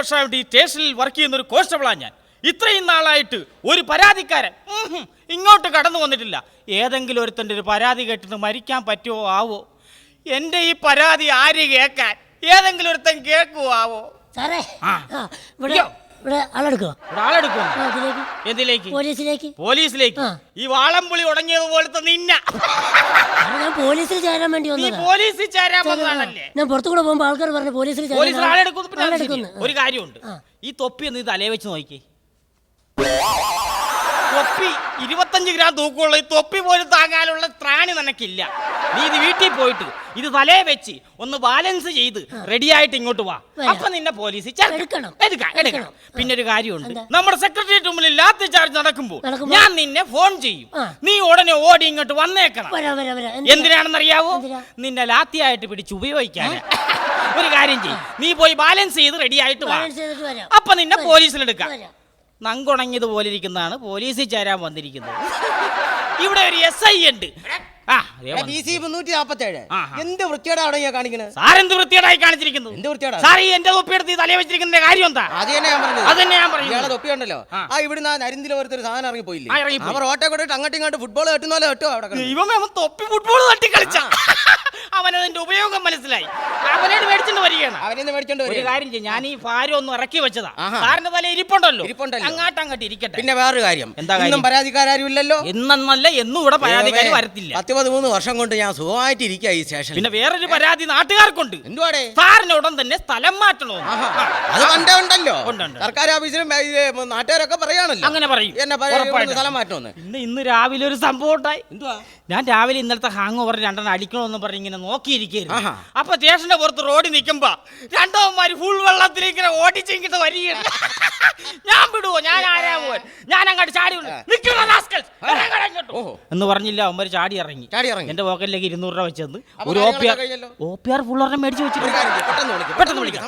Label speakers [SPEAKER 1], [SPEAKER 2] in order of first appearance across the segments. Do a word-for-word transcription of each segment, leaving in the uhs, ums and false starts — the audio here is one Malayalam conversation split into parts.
[SPEAKER 1] വർഷമായിട്ട് ഈ സ്റ്റേഷനിൽ വർക്ക് ചെയ്യുന്ന ഒരു കോൺസ്റ്റബിളാണ് ഞാൻ. ഇത്രയും നാളായിട്ട് ഒരു പരാതിക്കാരൻ ഇങ്ങോട്ട് കടന്നു വന്നിട്ടില്ല. ഏതെങ്കിലും ഒരുത്തൻ്റെ ഒരു പരാതി കേട്ടിട്ട് മരിക്കാൻ പറ്റുമോ ആവോ? എൻ്റെ ഈ പരാതി ആര് കേൾക്കാൻ? ഏതെങ്കിലും ഒരുത്തൻ കേൾക്കുവോ ആവോ?
[SPEAKER 2] സാറേ ഇവിടെ ഇവിടെ ആളെടുക്കുക
[SPEAKER 1] ആളെടുക്കും എന്തിലേക്ക്?
[SPEAKER 2] പോലീസിലേക്ക്.
[SPEAKER 1] പോലീസിലേക്ക്? ഈ വാളംപുളി ഉടങ്ങിയത് പോലത്തെ നിന്ന
[SPEAKER 2] ഞാൻ പോലീസിൽ ചേരാൻ വേണ്ടി വന്നത്.
[SPEAKER 1] പോലീസിൽ ചേരാൻ വന്നതാണല്ലേ?
[SPEAKER 2] ഞാൻ പുറത്തു കൂടെ പോകുമ്പോൾ ആൾക്കാർ പറഞ്ഞു പോലീസിൽ
[SPEAKER 1] പോലീസിൽ ആളെടുക്കുന്നു. ഒരു കാര്യമുണ്ട്, ഈ തൊപ്പി ഒന്ന് തലേ വെച്ച് നോക്കി. തൊപ്പി ഇരുപത്തഞ്ച് ഗ്രാം തൂക്കമുള്ള ഈ തൊപ്പി പോലും താങ്ങാനുള്ള ത്രാണി നിനക്കില്ല. നീ ഇത് വീട്ടിൽ പോയിട്ട് ഇത് തലേ വെച്ച് ഒന്ന് ബാലൻസ് ചെയ്ത് റെഡി ആയിട്ട് ഇങ്ങോട്ട് വാ. അപ്പൊ നിന്നെ പോലീസിൽ എടുക്കണം. പിന്നെ ഒരു കാര്യമുണ്ട്, നമ്മുടെ സെക്രട്ടേറിയറ്റ് മുമ്പിൽ ലാത്തി ചാർജ് നടക്കുമ്പോൾ ഞാൻ നിന്നെ ഫോൺ ചെയ്യും. നീ ഉടനെ ഓടി ഇങ്ങോട്ട് വന്നേക്കണം. എന്തിനാണെന്നറിയാവോ? നിന്നെ ലാത്തിയായിട്ട് പിടിച്ച് ഉപയോഗിക്കാൻ. ഒരു കാര്യം ചെയ്യും, നീ പോയി ബാലൻസ് ചെയ്ത് റെഡി ആയിട്ട് വാ. അപ്പൊ നിന്നെ പോലീസിലെടുക്കാം. നങ്കുണങ്ങിയതുപോലെ ഇരിക്കുന്നതാണ് പോലീസിൽ ചേരാൻ വന്നിരിക്കുന്നത്. ഇവിടെ ഒരു എസ് ഐ ഉണ്ട്.
[SPEAKER 3] എന്ത് വൃത്തിയോടാണ് കാണിക്കുന്നത്?
[SPEAKER 1] സാറെന്ത് വൃത്തിയോടായി കാണിച്ചിരിക്കുന്നു?
[SPEAKER 3] എന്ത് വൃത്തിയോടാ
[SPEAKER 1] സാർ? ഈ എന്റെ തൊപ്പിയെടുത്ത് തലേ വെച്ചിരിക്കുന്ന കാര്യം എന്താ?
[SPEAKER 3] അത് തന്നെ ഞാൻ പറഞ്ഞത്.
[SPEAKER 1] അത് തന്നെ ഞാൻ പറയുന്നത്.
[SPEAKER 3] തൊപ്പിയുണ്ടല്ലോ, ആ ഇവിടുന്ന് നരിന്തിൽ ഓരോരുത്തർ സാധനം ഇറങ്ങി പോയില്ലേ? അവർ ഓട്ടെ കൊണ്ടിട്ട് അങ്ങോട്ടും ഇങ്ങോട്ട് ഫുട്ബോൾ കെട്ടുന്നല്ലോ കേട്ടോ. അവിടെ
[SPEAKER 1] ഇവൻ തൊപ്പി ഫുട്ബോൾ തട്ടി കളിച്ച അവനതിന്റെ ഉപയോഗം മനസ്സിലായി. അവനോട് മേടിച്ചോണ്ട് വരികയാണ്.
[SPEAKER 3] അവനെ മേടിച്ചോണ്ട്
[SPEAKER 1] ഒരു കാര്യം ചെയ്യും, ഞാൻ ഈ ഭാരം ഒന്ന് ഇറക്കി വെച്ചതാ. സാറിന്റെ തല ഇരിപ്പുണ്ടല്ലോ, അങ്ങാട്ട് അങ്ങോട്ട് ഇരിക്കട്ടെ.
[SPEAKER 3] പിന്നെ വേറൊരു കാര്യം, എന്താ പരാതിക്കാരും ഇല്ലല്ലോ.
[SPEAKER 1] എന്നല്ല എന്നും ഇവിടെ പരാതിക്കാർ വരത്തില്ല.
[SPEAKER 3] പത്ത് പതിമൂന്ന് വർഷം കൊണ്ട് ഞാൻ സുഖമായിട്ട് ഇരിക്കുക ഈ സ്റ്റേഷനിൽ.
[SPEAKER 1] പിന്നെ വേറൊരു പരാതി നാട്ടുകാർക്കുണ്ട്.
[SPEAKER 3] എന്തുവാടേ?
[SPEAKER 1] സാറിന് ഉടൻ തന്നെ സ്ഥലം മാറ്റണോ?
[SPEAKER 3] അത് പണ്ടേ ഉണ്ടല്ലോ. സർക്കാർ ഓഫീസിലും നാട്ടുകാരൊക്കെ പറയാണല്ലോ.
[SPEAKER 1] അങ്ങനെ പറയും,
[SPEAKER 3] എന്നെ സ്ഥലം മാറ്റണമെന്ന്.
[SPEAKER 1] ഇന്ന് ഇന്ന് രാവിലെ ഒരു സംഭവം ഉണ്ടായി. എന്തുവാ? ഞാൻ രാവിലെ ഇന്നലത്തെ ഹാങ് ഓവർ രണ്ടെണ്ണം അടിക്കണമെന്ന് പറഞ്ഞ് ഇങ്ങനെ നോക്കിയിരിക്കുന്നു. അപ്പൊ സ്റ്റേഷന്റെ പുറത്ത് റോഡിൽ നിൽക്കുമ്പോ രണ്ടോമാര് ഫുൾ വെള്ളത്തിലേക്ക് ഇങ്ങനെ ഓടിച്ചിങ്ങിട്ട് വരികയാണ്. ഞാൻ വിടുവോ? ഞാൻ ആരാ പോവാൻ? ഞാൻ അങ്ങോട്ട് ചാടി എന്ന് പറഞ്ഞില്ല. അവന്മാര് ചാടി ഇറങ്ങി. എന്റെ പോക്കറ്റിലേക്ക് ഇരുന്നൂറ് രൂപ വെച്ചെന്ന് ഒരു ഒ പി ആർ ഫുൾ ഒരെണ്ണം മേടിച്ചു വെച്ചിട്ട് പെട്ടെന്ന് വിളിക്കാം.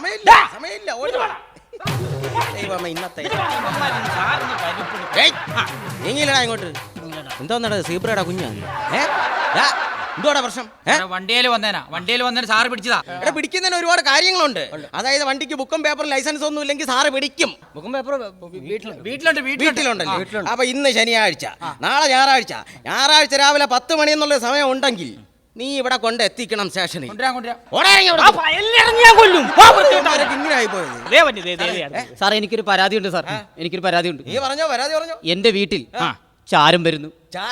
[SPEAKER 3] ഇങ്ങോട്ട് എന്തോന്നാ സീബ്രയുടെ കുഞ്ഞാണ്? എന്തുവാടാ പ്രശ്നം?
[SPEAKER 4] വണ്ടിയിൽ വന്നേനാ വണ്ടിയിൽ വന്നേന സാറ് പിടിച്ചതാ.
[SPEAKER 3] ഇവിടെ പിടിക്കുന്നതിന് ഒരുപാട് കാര്യങ്ങളുണ്ട്. അതായത് വണ്ടിക്ക് ബുക്കും പേപ്പറും ലൈസൻസ് ഒന്നും ഇല്ലെങ്കിൽ സാറ് പിടിക്കും. ബുക്കും പേപ്പറും
[SPEAKER 4] വീട്ടിലുണ്ട്
[SPEAKER 3] വീട്ടിലുണ്ടല്ലോ. അപ്പൊ ഇന്ന് ശനിയാഴ്ച, നാളെ ഞായറാഴ്ച. ഞായറാഴ്ച രാവിലെ പത്ത് മണി എന്നുള്ള സമയം ഉണ്ടെങ്കിൽ നീ ഇവിടെ കൊണ്ട് എത്തിക്കണം സ്റ്റേഷനിൽ.
[SPEAKER 5] സാറേ എനിക്കൊരു പരാതിയുണ്ട് സാർ, എനിക്കൊരു പരാതിയുണ്ട്.
[SPEAKER 3] നീ പറഞ്ഞോ, പരാതി പറഞ്ഞോ.
[SPEAKER 5] എന്റെ വീട്ടിൽ ചാരം വരുന്നു.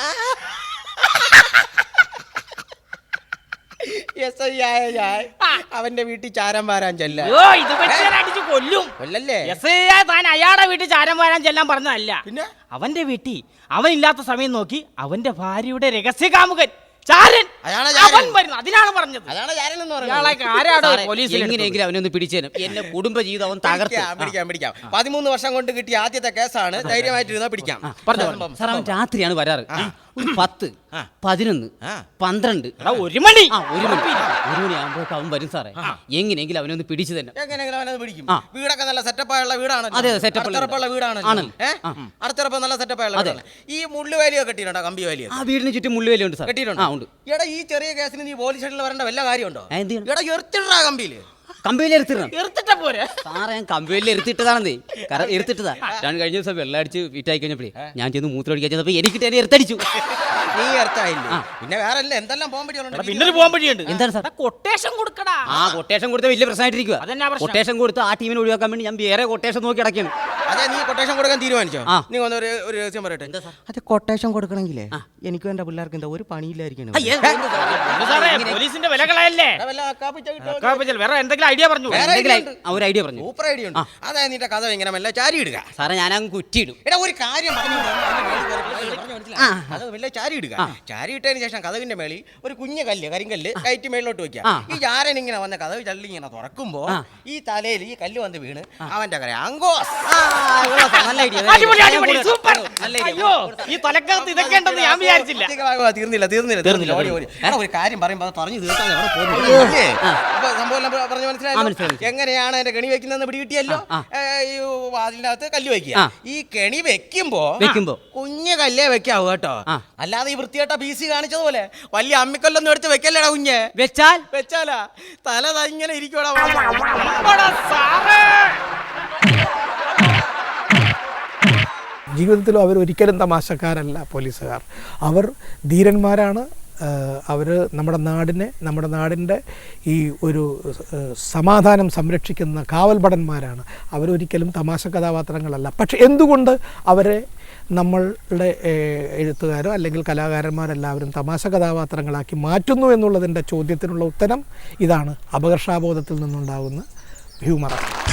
[SPEAKER 3] അവന്റെ വീട്ടിൽ ചാരം വാരാൻ ചെല്ലാം.
[SPEAKER 1] കൊല്ലല്ലേ? താൻ അയാളുടെ വീട്ടിൽ ചാരം വാരാൻ ചെല്ലാൻ പറഞ്ഞതല്ല. പിന്നെ അവന്റെ വീട്ടിൽ അവനില്ലാത്ത സമയം നോക്കി അവന്റെ ഭാര്യയുടെ രഹസ്യ കാമുകൻ ചാരൻ അതിനാണ് പറഞ്ഞത്.
[SPEAKER 5] എങ്ങനെയെങ്കിലും അവനൊന്ന് പിടിച്ചേനും. എന്റെ കുടുംബ ജീവിതം അവൻ തകർത്ത്.
[SPEAKER 3] പിടിക്കാം പിടിക്കാം പതിമൂന്ന് വർഷം കൊണ്ട് കിട്ടിയ ആദ്യത്തെ കേസാണ്. ധൈര്യമായിട്ടിരുന്നാ പിടിക്കാം.
[SPEAKER 5] സാർ അവൻ രാത്രിയാണ് വരാറ്. ഒരു പത്ത് പതിനൊന്ന് പന്ത്രണ്ട്
[SPEAKER 1] ഒരു മണി
[SPEAKER 5] ആ ഒരു മണി ഒരു മണി ആകുമ്പോഴേക്കും അവൻ വരും സാറേ. എങ്ങനെയെങ്കിലും അവനൊന്ന് പിടിച്ചു തന്നെ.
[SPEAKER 3] എങ്ങനെയെങ്കിലും അവനത് പിടിക്കും. വീടൊക്കെ നല്ല സെറ്റപ്പായുള്ള വീടാണ്.
[SPEAKER 5] അതെ സെറ്റപ്പുള്ള
[SPEAKER 3] വീടാണ്. അടുത്തുറപ്പ് നല്ല സെറ്റപ്പായുള്ള വീടാണ്. ഈ മുള്ളുവേലിയൊക്കെ കെട്ടിയിട്ടുണ്ടോ? കമ്പി വേലിയോ?
[SPEAKER 5] ആ വീടിന് ചുറ്റും മുള്ളുവേലി ഉണ്ട് സാർ.
[SPEAKER 3] കെട്ടിയിട്ടുണ്ടോ? എടാ ഈ ചെറിയ കേസിന് നീ പോലീസ് സ്റ്റേഷനിൽ വരേണ്ട വല്ല കാര്യമുണ്ടോ? എടാ എറിച്ചിട്ടാ കമ്പിയില്
[SPEAKER 5] കമ്പിയിൽ എറുത്തിടണം.
[SPEAKER 1] എറുത്തിട്ടാ പോരെ
[SPEAKER 5] സാറേ? ഞാൻ കമ്പിയിൽ എറുത്തിട്ടതാണെന്നേ. കാരണം എറുത്തിട്ടതാ. ഞാൻ കഴിഞ്ഞ ദിവസം വെള്ളം അടിച്ച് ഫിറ്റായി കഴിഞ്ഞപ്പോഴേ ഞാൻ ചെന്ന് മൂത്രം അടിക്കാൻ ചെന്നപ്പോ എനിക്ക് തന്നെ എറുത്തടിച്ചു.
[SPEAKER 3] നീ എർത്തായില്ലേ? പിന്നെ വേറെ എന്തെല്ലാം പോകാൻ പറ്റിയുണ്ട്?
[SPEAKER 1] പിന്നെ പോകാൻ പറ്റിയുണ്ട്.
[SPEAKER 5] എന്താണ് സാർ?
[SPEAKER 1] കൊട്ടേഷൻ കൊടുക്കടാ.
[SPEAKER 5] ആ കൊട്ടേഷൻ കൊടുത്ത വലിയ പ്രശ്നമായിട്ടിരിക്കുക. കൊട്ടേഷൻ കൊടുത്ത് ആ ടീമിനെ ഒഴിവാക്കാൻ വേണ്ടി ഞാൻ വേറെ കൊട്ടേഷൻ നോക്കി അടയ്ക്കുന്നു.
[SPEAKER 3] അതെ, നീ കൊട്ടേഷൻ കൊടുക്കാൻ തീരുമാനിച്ചോ? നീ ഒന്ന് ഒരു രഹസ്യം പറയട്ടെ. അത് കൊട്ടേഷൻ കൊടുക്കണമെങ്കിലേ എനിക്കും എന്റെ പിള്ളേർക്ക് എന്താ ഒരു പണിയില്ലായിരിക്കണം.
[SPEAKER 1] പോലീസിന്റെ വിലകളല്ലേ? വേറെ എന്തെങ്കിലും ഐഡിയ പറഞ്ഞു?
[SPEAKER 5] ഒരു ഐഡിയ പറഞ്ഞു.
[SPEAKER 3] സൂപ്പർ ഐഡിയ ഉണ്ട്. അതായത് നിന്റെ കഥ ഇങ്ങനെ മെല്ലെ ചാരി ഇടുക.
[SPEAKER 5] സാറേ ഞാൻ അങ്ങ് കുറ്റിയിടും.
[SPEAKER 3] എടാ ഒരു കാര്യം പറഞ്ഞു, അത് മെല്ലെ ചാരി ഇടുക. ചാരി ഇട്ടതിന് ശേഷം കഥവിന്റെ മേളിൽ ഒരു കുഞ്ഞു കല്ല് കരിങ്കല്ല് കയറ്റി മേളിലോട്ട് വെക്കുക. ഈ ചാരൻ ഇങ്ങനെ വന്ന കഥവ് ചള്ളി ഇങ്ങനെ തുറക്കുമ്പോ ഈ തലയിൽ ഈ കല്ല് വന്ന് വീണ് അവന്റെ കര അങ്കോസ്.
[SPEAKER 1] ഈ തലക്കകത്ത് ഇതൊക്കെ ഉണ്ടെന്ന് ഞാൻ വിചാരിച്ചില്ല.
[SPEAKER 3] തീർന്നില്ല തീർന്നില്ല തീർന്നില്ല ഒരു കാര്യം പറയുമ്പോ പറഞ്ഞു തീർക്കാൻ സംഭവം പറഞ്ഞു മനസ്സിലായി. എങ്ങനെയാണ് എന്റെ കെണി വെക്കുന്നതെന്ന് പിടികിട്ടിയല്ലോ. ഈ വാതിലിനകത്ത് കല്ല് വെക്കുക. ഈ കെണി വെക്കുമ്പോ വെക്കുമ്പോ കുഞ്ഞ് കല്ലേ വെക്കാവൂ കേട്ടോ. അല്ലാതെ ഈ വൃത്തികെട്ട പി സി കാണിച്ചതുപോലെ വലിയ അമ്മിക്കല്ലൊന്നും എടുത്ത് വെക്കല്ലേടാ കുഞ്ഞ്.
[SPEAKER 5] വെച്ചാൽ
[SPEAKER 3] വെച്ചാലാ തല ഇങ്ങനെ ഇരിക്കൂടാ.
[SPEAKER 6] ജീവിതത്തിലും അവർ ഒരിക്കലും തമാശക്കാരല്ല പോലീസുകാർ. അവർ ധീരന്മാരാണ്. അവർ നമ്മുടെ നാടിനെ നമ്മുടെ നാടിൻ്റെ ഈ ഒരു സമാധാനം സംരക്ഷിക്കുന്ന കാവൽഭടന്മാരാണ്. അവരൊരിക്കലും തമാശ കഥാപാത്രങ്ങളല്ല. പക്ഷെ എന്തുകൊണ്ട് അവരെ നമ്മളുടെ എഴുത്തുകാരോ അല്ലെങ്കിൽ കലാകാരന്മാരെല്ലാവരും തമാശ കഥാപാത്രങ്ങളാക്കി മാറ്റുന്നു എന്നുള്ളതിൻ്റെ ചോദ്യത്തിനുള്ള ഉത്തരം ഇതാണ്. അപകർഷാബോധത്തിൽ നിന്നുണ്ടാകുന്ന ഹ്യൂമറാണ്.